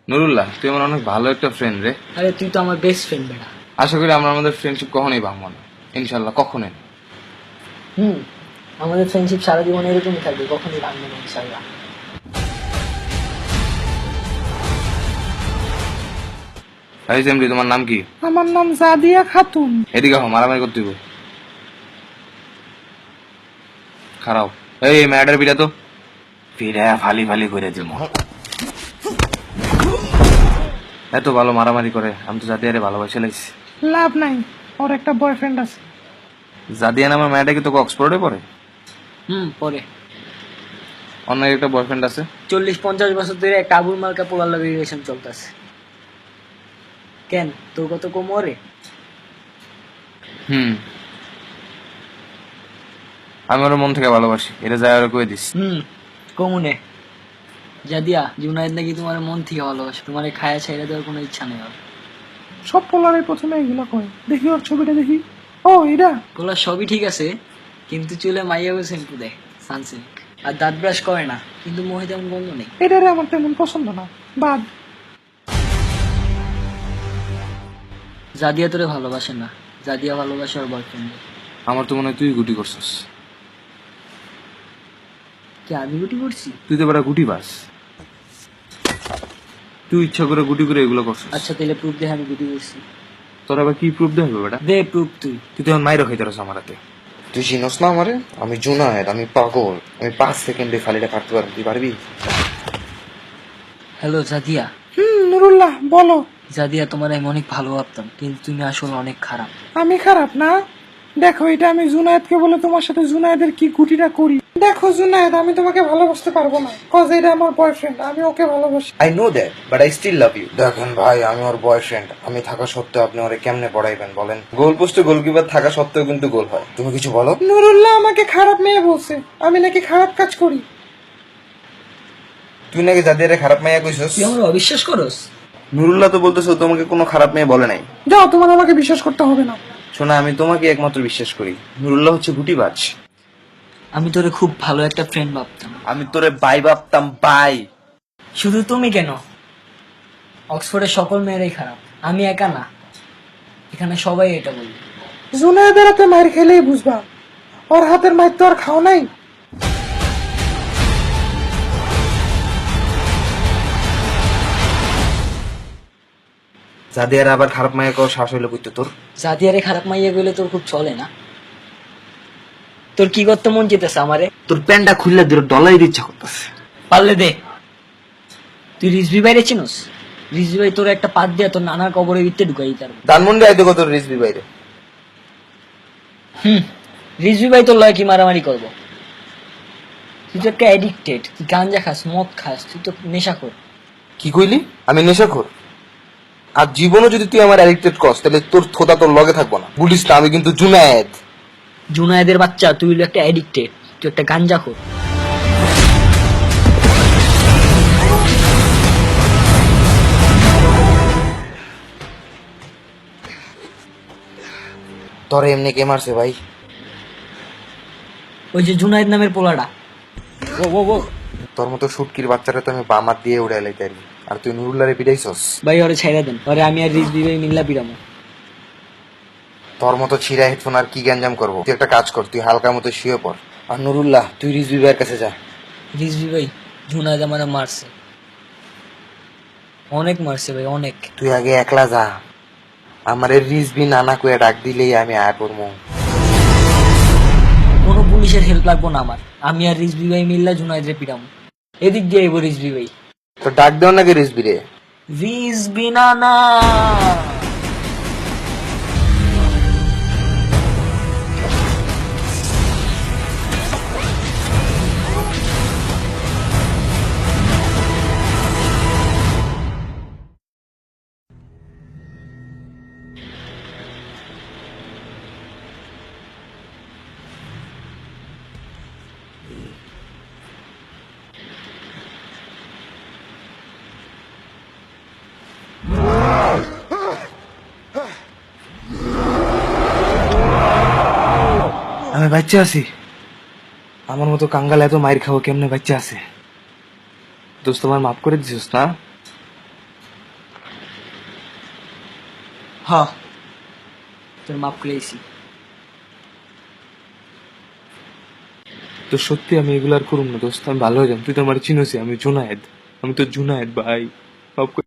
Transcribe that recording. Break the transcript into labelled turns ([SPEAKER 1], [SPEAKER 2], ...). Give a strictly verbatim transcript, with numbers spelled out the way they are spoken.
[SPEAKER 1] নুরুল্লাহ, তুই আমার অনেক ভালো একটা ফ্রেন্ড রে।
[SPEAKER 2] আরে তুই তো আমার বেস্ট ফ্রেন্ড বেটা।
[SPEAKER 1] আশা করি আমরা আমাদের ফ্রেন্ডশিপ কখনোই ভাঙবো না, ইনশাল্লাহ কখনোই না।
[SPEAKER 2] হুম, আমাদের ফ্রেন্ডশিপ সারা জীবন এরকমই থাকবে, কখনই ভাঙবে না ইনশাআল্লাহ।
[SPEAKER 1] ভাই সেমরি, তোমার নাম কি?
[SPEAKER 3] আমার নাম জাদিয়া খাতুন।
[SPEAKER 1] এদিকে হো, মারামারি করতে হইব। খারাপ। এই ম্যাডার পিঠা তো পিঠা ফালি ফালি করে দিব। এত ভালো মারামারি করে, আমি তো জাদিয়ারে ভালোবাসে লাগছি।
[SPEAKER 3] লাভ নাই, ওর একটা বয়ফ্রেন্ড আছে।
[SPEAKER 1] জাদিয়া নামের মেয়েটা কি তোকে অক্সফোর্ডে পড়ে?
[SPEAKER 2] হুম, পরে
[SPEAKER 1] অন্য একটা বয়ফ্রেন্ড আছে।
[SPEAKER 2] চল্লিশ পঞ্চাশ বছর ধরে একটা আবুল মার্কা পোলার লাগে রিলেশন চলতেছে। কেন, তোর কত কোমরে?
[SPEAKER 1] হুম, আমি ওর মন থেকে ভালোবাসি, এটা যায় ওরা কয়ে দিস।
[SPEAKER 2] হুম, কমুনে জাদিয়া জুনায়েদ নাকি তোমার মন থেকে ভালোবাসে, তোমার খায়া ছাইড়া দেওয়ার কোনো ইচ্ছা নেই ওর।
[SPEAKER 3] সব পোলারে প্রথমে এগুলো কয়। দেখি ওর ছবিটা দেখি। ও এটা
[SPEAKER 2] পোলার সবই ঠিক আছে, কিন্তু চুলে মাইয়াও শ্যাম্পু দেয়, সানসিল্ক, আর দাঁত ব্রাশ করে না, কিন্তু মোহে তেমন গন্ধ নেই।
[SPEAKER 3] এটারে আমার তেমন পছন্দ না, বাদ।
[SPEAKER 2] জাদিয়া তোরে ভালোবাসে না, জাদিয়া ভালোবাসে ওর বয়ফ্রেন্ড।
[SPEAKER 1] আমার তো মনে হয় তুই গুটি করছিস।
[SPEAKER 2] কি আমি গুটি করছি?
[SPEAKER 1] তুই তো বেটা গুটি বাস, তুই ইচ্ছা করে গুটি করে এগুলো করছিস।
[SPEAKER 2] আচ্ছা তাহলে প্রুফ দে আমি গুটি করছি।
[SPEAKER 1] তোর আবার কি প্রুফ দেবে বেটা?
[SPEAKER 2] দে প্রুফ তুই।
[SPEAKER 1] তুই তো এখন মাইরো খাইতে রস আমার হাতে। তুই চিনস না আমারে? আমি জুনায়েদ, আমি পাগল, আমি পাঁচ সেকেন্ডে ফালিটা কাটতে পারবি, তুই পারবি?
[SPEAKER 2] হ্যালো জাদিয়া।
[SPEAKER 3] হুম, নুরুল্লাহ বলো।
[SPEAKER 2] জাদিয়া তোমার আমি অনেক ভালো ভাবতাম, কিন্তু তুমি আসলে অনেক খারাপ।
[SPEAKER 3] আমি খারাপ না? দেখো, এটা আমি জুনায়েদকে বলে তোমার সাথে জুনায়েদের কি গুটিটা করি। দেখো জুনায়েদ, আমি তোমাকে ভালোবাসতে পারবো না, কজ এটা আমার বয়ফ্রেন্ড, আমি ওকে ভালোবাসি।
[SPEAKER 1] I know that, but I still love you. দেখেন ভাই, আমি ওর বয়ফ্রেন্ড, আমি থাকা সত্ত্বেও আপনি ওরে কেমনে পড়াইবেন বলেন? গোল পোস্টে গোলকিপার থাকা সত্ত্বেও কিন্তু গোল হয়। তুমি কিছু বলো।
[SPEAKER 3] নুরুল্লাহ আমাকে খারাপ মেয়ে বলছে, আমি নাকি খারাপ কাজ করি।
[SPEAKER 1] তুই নাকি জাদিয়ারে খারাপ মেয়ে কইছস?
[SPEAKER 2] তুই আমার অবিশ্বাস করস?
[SPEAKER 1] নুরুল্লাহ তো বলতেছো তোমাকে কোনো খারাপ মেয়ে বলে নাই।
[SPEAKER 3] যাও, তোমার আমাকে বিশ্বাস করতে হবে না।
[SPEAKER 1] শোনা, আমি তোমাকে একমাত্র বিশ্বাস করি। নুরুল্লাহ হচ্ছে গুটিবাজ।
[SPEAKER 2] আমি তোরে খুব ভালো একটা ফ্রেন্ড ভাবতাম।
[SPEAKER 1] আমি তোরে বাই ভাবতাম, বাই।
[SPEAKER 2] শুধু তুমি কেন, অক্সফোর্ডের সকল মেয়েরাই খারাপ, আমি একা না, এখানে সবাই এটা বলবে।
[SPEAKER 3] জুনায়েদের হাতে মায়ের খেলেই বুঝবা, ওর হাতের মায়ের তো আর খাও নাই।
[SPEAKER 1] জাদিয়ার আবার খারাপ মায়ের কো শ্বাস হইলো কইতো তোর?
[SPEAKER 2] জাদিয়ারে খারাপ মাইয়া গেলে তোর খুব চলে না? তোর কি করতে মন চেতেছে আমারে?
[SPEAKER 1] তোর প্যান্টটা খুললে দিল ডলাই ইচ্ছা করতেছে।
[SPEAKER 2] পারলে দে। তুই রিজভি বাইরে চিনোস? রিজভি ভাই তোর একটা পাত দিয়া তোর নানার কবরের ভিতরে ঢুকাই দিতে পারবে।
[SPEAKER 1] ধানমন্ডি আইতো কত রিসবি বাইরে।
[SPEAKER 2] হুম, রিজভি ভাই তোর লয় কি মারামারি করবো? তুই তো একটা অ্যাডিক্টেড, তুই গাঞ্জা খাস, মদ খাস, তুই তো নেশা কর।
[SPEAKER 1] কি কইলি? আমি নেশাখোর? আর জীবনও যদি তুই আমার অ্যাডিক্টেড করস, তাহলে তোর থোতা তোর লগে থাকবো না, বলিস না আমি কিন্তু জুনায়েদ।
[SPEAKER 2] জুনায়েদের বাচ্চা, তুই হলো একটা অ্যাডিক্টেড, তুই একটা গাঞ্জা খোর।
[SPEAKER 1] তোরে এমনি কে মারছে ভাই?
[SPEAKER 2] ওই যে জুনায়েদ নামের পোলাটা। ও ও ও
[SPEAKER 1] তোর মতো সুটকির বাচ্চারা তো আমি বামাত দিয়ে উড়াই লাইতারি, আর তুই নুরুল্লারে পিটাইছস।
[SPEAKER 2] ভাই ওরে ছাইড়া দেন, ওরে আমি আর রিজভি ভাই মিল্লা পিরামো।
[SPEAKER 1] তোর মতো ছিঁড়া হেডফোন আর কি গ্যাঞ্জাম করবো? তুই একটা কাজ কর, তুই হালকা মতো শুয়ে পড়। আর নুরুল্লাহ, তুই রিজবি ভাইয়ের কাছে যা।
[SPEAKER 2] রিজভি ভাই জুনায়েদ আমার মারছে, অনেক মারছে ভাই, অনেক।
[SPEAKER 1] তুই আগে একলা যা, আমার রিজবি নানা কয়ে ডাক দিলেই আমি আয় পড়বো।
[SPEAKER 2] কোনো পুলিশের হেল্প লাগবো না আমার, আমি আর রিজভি ভাই মিল্লা জুনায়েদ রে পিরামো। এদিক দিয়ে আইবো রিজভি ভাই।
[SPEAKER 1] তো ডাক দেও নাকি রিজবি রে?
[SPEAKER 2] রিজভি নানা।
[SPEAKER 1] আমি বাচ্চা আছি? আমার মতো কাঙ্গাল এত মাইর খাবো কেমনে বাচ্চা আছে? দোস্ত, তোমার মাফ করে দিছিস না?
[SPEAKER 2] হ তোর মাপ করেছি।
[SPEAKER 4] তো সত্যি আমি এগুলো আর করুম না দোস্ত, আমি ভালো হয়ে যাম। তুই তো আমার চিনোসি, আমি জুনায়েদ, আমি তো জুনায়েদ ভাই। মাফ করে